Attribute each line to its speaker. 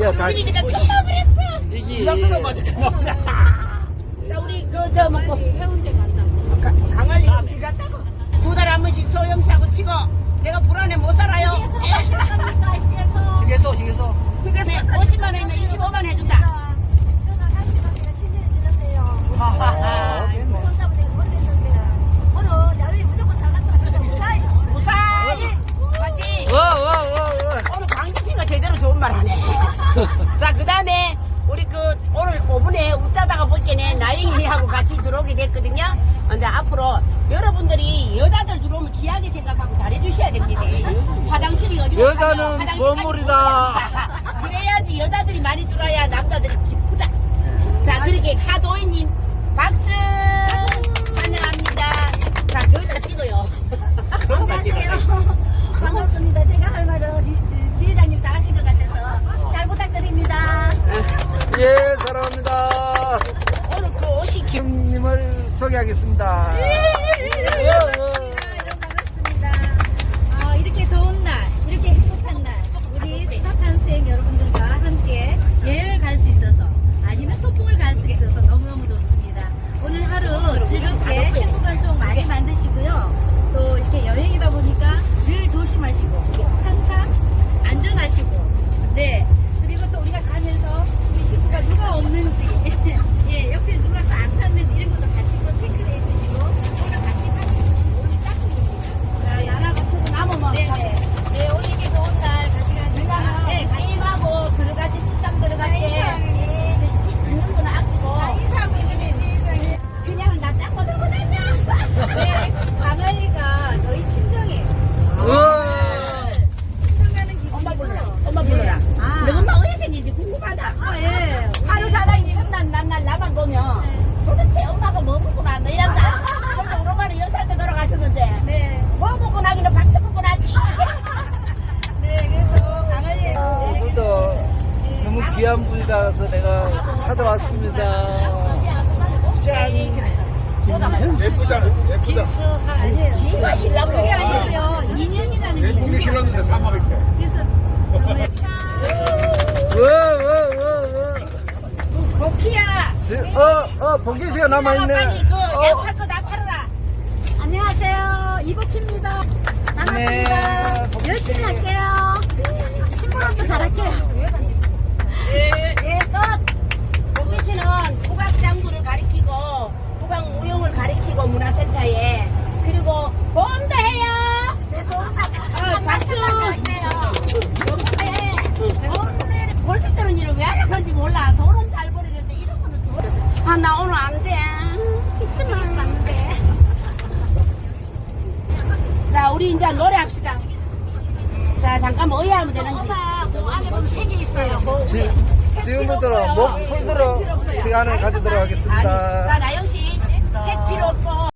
Speaker 1: 야, 다시.
Speaker 2: 우리가 끝나버렸어.
Speaker 1: 이게.
Speaker 2: 자, 우리 저 먹고
Speaker 3: 해운대 간다.
Speaker 2: 강할리 어디 갔다고? 2달에 한 번씩 소형사고 치고 내가 불안해 못 살아요.
Speaker 1: 휴게소.
Speaker 2: 그래서 50만 원이면 25만 해준다.
Speaker 3: 저는 한 시간 제가 신뢰를 지났대요.
Speaker 2: 하하하.
Speaker 3: 손잡으려고 걸렸는데 오늘 야외 무조건 잘 갔다 왔어요. 무사히.
Speaker 2: 무사히 파이팅.
Speaker 1: 와.
Speaker 2: 오늘 강진씨가 제대로 좋은 말 하네. 자, 그 다음에 우리 오늘 5분에 웃자다가 보니까 나영이하고 같이 들어오게 됐거든요. 근데 앞으로 여러분들이 여자들 들어오면 귀하게 생각하고 잘해주셔야 됩니다. 화장실이 어디
Speaker 1: 여자는 보물이다.
Speaker 2: 그래야지 여자들이 많이 들어야 남자들이 기쁘다. 자, 그렇게 하도희님 박수 환영합니다. 자, 저희다 찍어요.
Speaker 3: 안녕하세요. 반갑습니다. 제가 할 말은 지회장님 다 하신 것 같아서 잘 부탁드립니다.
Speaker 1: 예, 사랑합니다.
Speaker 2: 오늘 그 옷이
Speaker 1: 형님을 소개하겠습니다.
Speaker 3: 반갑습니다. 이렇게 좋은 날, 이렇게 행복한 날, 우리 스타탄생 여러분들과 함께 여행을 갈 수 있어서 아니면 소풍을 갈 수 있어서 너무너무 좋습니다. 오늘 하루 즐겁게 행복한 추억 많이 만드시고요. 또 이렇게 여행이다 보니까 늘 조심하시고 항상 안전하시고 네. 그리고 또 우리가 가면서 우리 식구가 누가 없는지 예, 옆에 누가 또 안 탔는지 이런 것도 같이 또 체크를 해주시고 오늘 같이 가시면 오늘 짝꿍입니다.
Speaker 2: 자, 나라 같은 거 남으면
Speaker 3: 네네. 네, 오늘 이렇게 좋은 날 같이 가니까 네,
Speaker 2: 게임하고 들어갈 때 식당 들어갈 때 있는 거는 아끼고
Speaker 3: 인사하고 있는데 지회장님.
Speaker 2: 그냥 나 짱거 들고 다녀.
Speaker 3: 네, 강아지가 저희 친정이에요.
Speaker 1: 우와.
Speaker 3: 친정 가는 기분이죠.
Speaker 2: 엄마 불러라. 엄마 불러라.
Speaker 3: 아.
Speaker 2: 너 엄마 어디 생긴지 궁금하다.
Speaker 3: 예.
Speaker 2: 하루 살아있는 첫날 만날 나만 보면 도대체 엄마가 뭐 먹고 나너 이란다. 근데 우리 엄마는 10살 때 돌아가셨는데
Speaker 3: 네.
Speaker 2: 뭐 먹고 나기는 박수 먹고 나지.
Speaker 3: 네, 그래서 강아지예요. 네,
Speaker 1: 오늘도 너무 귀한 분이라서 내가 찾아왔습니다.
Speaker 4: 예쁘다.
Speaker 3: 아니에요.
Speaker 2: 지가 신랑
Speaker 3: 그게 아니고요. 2년이라는 얘기.
Speaker 4: 공개 신랑한테 사망했대.
Speaker 3: 그래서 정말
Speaker 2: 복희야.
Speaker 1: 복귀시가 남아있네.
Speaker 2: 빨리 그 약할 거 다 팔아라.
Speaker 3: 안녕하세요. 이복희입니다. 반갑습니다.
Speaker 1: 네, 복희 씨.
Speaker 3: 열심히 할게요. 신부름도 잘할게요.
Speaker 2: 예, 끝. 복희 씨는 국악장구를 가리키고 국악무용을 가리키고 문화센터에 그리고 보험도 해요.
Speaker 3: 네, 보험
Speaker 2: 박수. 보험도 해. 벌써 때는 일을 왜 하는 건지 몰라. 돈은 잘 벌이는데 이런 거는 좋아. 아, 나 오늘 안 돼. 기침만 났는데. 자, 우리 이제 노래합시다. 자, 잠깐만 의아하면 되는지. 엄마, 그 안에 보면 책이 있어요.
Speaker 1: 지금부터 목 풀도록 시간을 가지도록
Speaker 2: 아니,
Speaker 1: 하겠습니다.
Speaker 2: 자, 나영 씨, 책 필요 없고